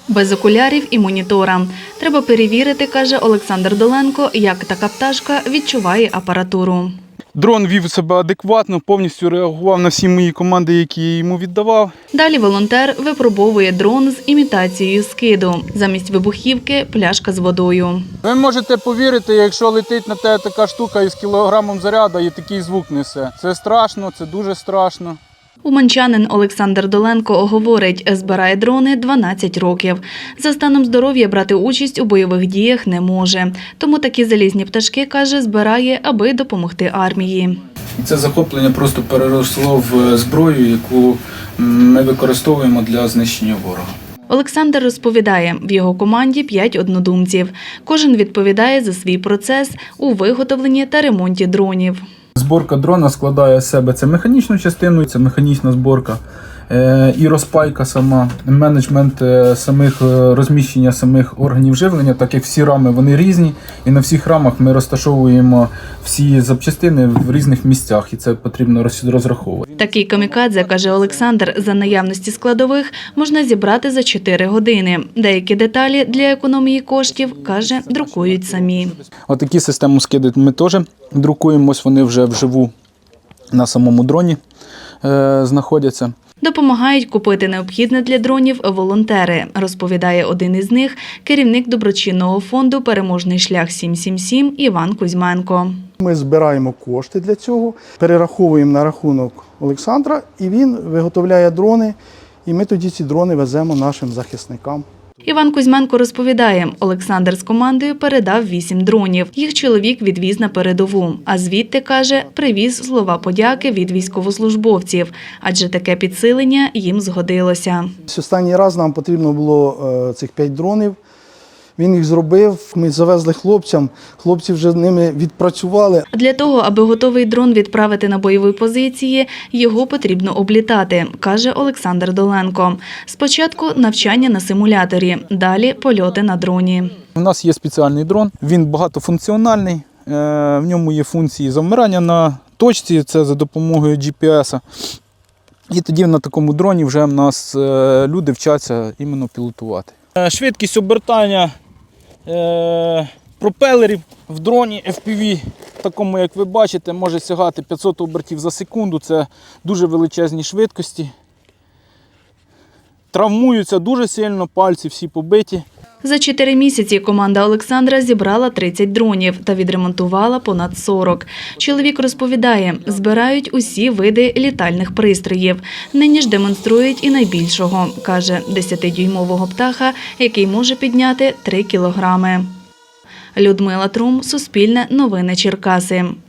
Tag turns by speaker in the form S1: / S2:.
S1: Без окулярів і монітора. Треба перевірити, каже Олександр Доленко, як така пташка відчуває апаратуру.
S2: Дрон вів себе адекватно, повністю реагував на всі мої команди, які я йому віддавав.
S1: Далі волонтер випробовує дрон з імітацією скиду. Замість вибухівки – пляшка з водою.
S2: Ви можете повірити, якщо летить на те така штука із кілограмом заряду і такий звук несе. Це страшно, це дуже страшно.
S1: Уманчанин Олександр Доленко говорить, збирає дрони 12 років. За станом здоров'я брати участь у бойових діях не може. Тому такі залізні пташки, каже, збирає, аби допомогти армії.
S2: Це захоплення просто переросло в зброю, яку ми використовуємо для знищення ворога.
S1: Олександр розповідає, в його команді 5 однодумців. Кожен відповідає за свій процес у виготовленні та ремонті дронів.
S2: Зборка дрона складає з себе це механічну частину, це механічна зборка і розпайка сама, менеджмент самих розміщення самих органів живлення, так як всі рами вони різні, і на всіх рамах ми розташовуємо всі запчастини в різних місцях, і це потрібно розраховувати.
S1: Такий камікадзе, каже Олександр, за наявності складових можна зібрати за 4 години. Деякі деталі для економії коштів, каже, друкують самі.
S2: Отакі системи скиди ми теж друкуємо, ось вони вже вживу на самому дроні знаходяться.
S1: Допомагають купити необхідне для дронів волонтери, розповідає один із них, керівник доброчинного фонду «Переможний шлях 777» Іван Кузьменко.
S3: Ми збираємо кошти для цього, перераховуємо на рахунок Олександра, і він виготовляє дрони, і ми тоді ці дрони веземо нашим захисникам.
S1: Іван Кузьменко розповідає, Олександр з командою передав 8 дронів. Їх чоловік відвіз на передову. А звідти, каже, привіз слова подяки від військовослужбовців. Адже таке підсилення їм згодилося.
S3: Останній раз нам потрібно було цих 5 дронів. Він їх зробив, ми завезли хлопцям, хлопці вже ними відпрацювали.
S1: Для того, аби готовий дрон відправити на бойові позиції, його потрібно облітати, каже Олександр Доленко. Спочатку навчання на симуляторі, далі польоти на дроні.
S2: У нас є спеціальний дрон, він багатофункціональний, в ньому є функції завмирання на точці, це за допомогою GPS. І тоді на такому дроні вже в нас люди вчаться іменно пілотувати. Швидкість обертання пропелерів в дроні FPV, такому, як ви бачите, може сягати 500 обертів за секунду. Це дуже величезні швидкості. Травмуються дуже сильно, пальці всі побиті.
S1: За 4 місяці команда Олександра зібрала 30 дронів та відремонтувала понад 40. Чоловік розповідає, збирають усі види літальних пристроїв. Нині ж демонструють і найбільшого, каже, 10-дюймового птаха, який може підняти 3 кілограми. Людмила Трум, Суспільне новини Черкаси.